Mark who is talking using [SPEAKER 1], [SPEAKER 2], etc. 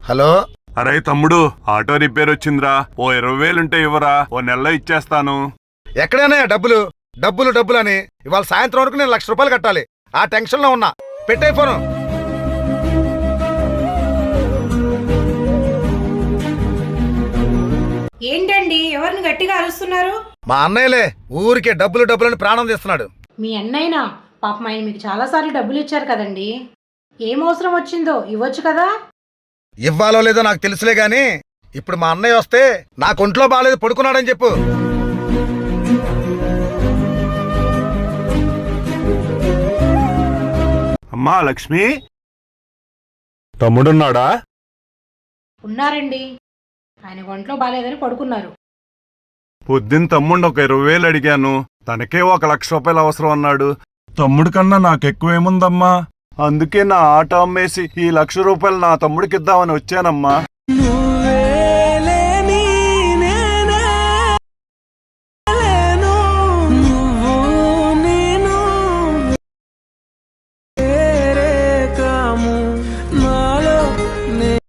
[SPEAKER 1] Hello.
[SPEAKER 2] అరే తమ్ముడు, auto repair వచ్చిందిరా. ఓ 20,000 ఇవ్వరా, ఓ నెలలో ఇచ్చేస్తాను.
[SPEAKER 1] ఎక్కడైనా డబ్బులు డబ్బులు డబ్బులు అని ఇవాళ సాయంత్రం వరకు నేను ₹1,00,000 కట్టాలి. ఆ టెన్షన్ లో ఉన్నా. పెట్టే ఫోను.
[SPEAKER 3] ఏంటండి ఎవరిని గట్టిగా అరుస్తున్నారు?
[SPEAKER 1] మా అన్నయ్యలే ఊరికే డబ్బులు డబ్బులని ప్రాణం తీస్తున్నాడు.
[SPEAKER 3] మీ అన్నయ్యనా? పాపం ఆయన మీకు చాలాసార్లు డబ్బులు ఇచ్చారు కదండి. ఏం అవసరం వచ్చిందో ఇవ్వచ్చు కదా.
[SPEAKER 1] ఇవ్వాలో లేదో నాకు తెలుసులే గాని ఇప్పుడు మా అన్నయ్య వస్తే నాకు ఒంట్లో బాగాలేదు, పడుకున్నాడని చెప్పు.
[SPEAKER 2] అమ్మా లక్ష్మి, తమ్ముడున్నాడా?
[SPEAKER 3] ఉన్నారండి, ఆయన ఒంట్లో బాగాలేదని పడుకున్నారు.
[SPEAKER 2] పొద్దున్న తమ్ముడు ఒక 20,000 అడిగాను, తనకే ₹1,00,000 అవసరం అన్నాడు. తమ్ముడు కన్నా నాకెక్కువేముందమ్మా, అందుకే నా ఆట అమ్మేసి ఈ ₹1,00,000 నా తమ్ముడికిద్దామని వచ్చానమ్మా.